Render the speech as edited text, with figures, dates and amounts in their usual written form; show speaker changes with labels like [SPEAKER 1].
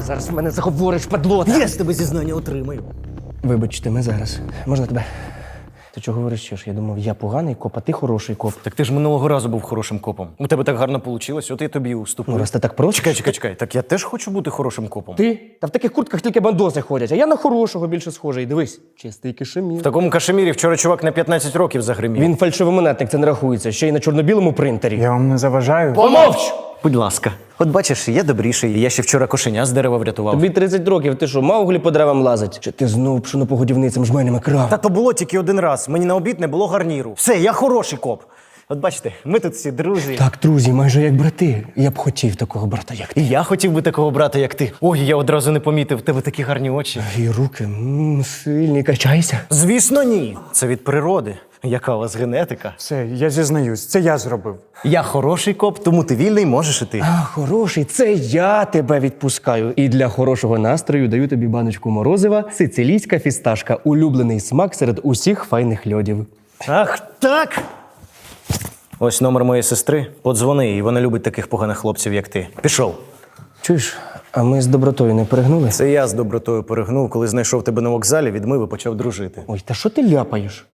[SPEAKER 1] зараз в мене заговориш, падлота.
[SPEAKER 2] Я з тебе зізнання отримаю.
[SPEAKER 1] Вибачте, ми зараз. Можна тебе? Ти чого верещиш? Я думав, я поганий коп, а ти хороший коп.
[SPEAKER 2] Так ти ж минулого разу був хорошим копом. У тебе так гарно вийшло, от я тобі уступлю.
[SPEAKER 1] Ну, раз ти так просиш.
[SPEAKER 2] Чекай. Так я теж хочу бути хорошим копом.
[SPEAKER 1] Ти? Та в таких куртках тільки бандоси ходять, а я на хорошого більше схожий. Дивись, чистий кишемір.
[SPEAKER 2] В такому кашемірі вчора чувак на 15 років загримів.
[SPEAKER 1] Він фальшивомонетник, це не рахується, ще й на чорно-білому принтері.
[SPEAKER 3] Я вам не заважаю.
[SPEAKER 1] Помовч!
[SPEAKER 2] Будь ласка. От бачиш, я добріший. Я ще вчора кошеня з дерева врятував.
[SPEAKER 1] Тобі 30 років, ти що, Мауглі по деревам лазить? Чи ти знов пшенопогодівницям жменями крав?
[SPEAKER 2] Та то було тільки один раз. Мені на обід не було гарніру. Все, я хороший коп. От бачите, ми тут всі друзі.
[SPEAKER 1] Так, друзі, майже як брати. Я б хотів такого брата, як ти.
[SPEAKER 2] І я хотів би такого брата, як ти. Ой, я одразу не помітив, в тебе такі гарні очі.
[SPEAKER 1] І руки, сильні, качайся.
[SPEAKER 2] Звісно, ні. Це від природи. Яка у вас генетика?
[SPEAKER 3] Все, я зізнаюсь, це я зробив.
[SPEAKER 2] Я хороший коп, тому ти вільний, можеш іти.
[SPEAKER 1] А, хороший, це я тебе відпускаю. І для хорошого настрою даю тобі баночку морозива, сицилійська фісташка, улюблений смак серед усіх файних льодів.
[SPEAKER 2] Ах, так! Ось номер моєї сестри. Подзвони їй, вона любить таких поганих хлопців, як ти. Пішов.
[SPEAKER 1] Чуєш, а ми з добротою не перегнули?
[SPEAKER 2] Це я з добротою перегнув, коли знайшов тебе на вокзалі, відмив і почав дружити.
[SPEAKER 1] Ой, та що ти ляпаєш?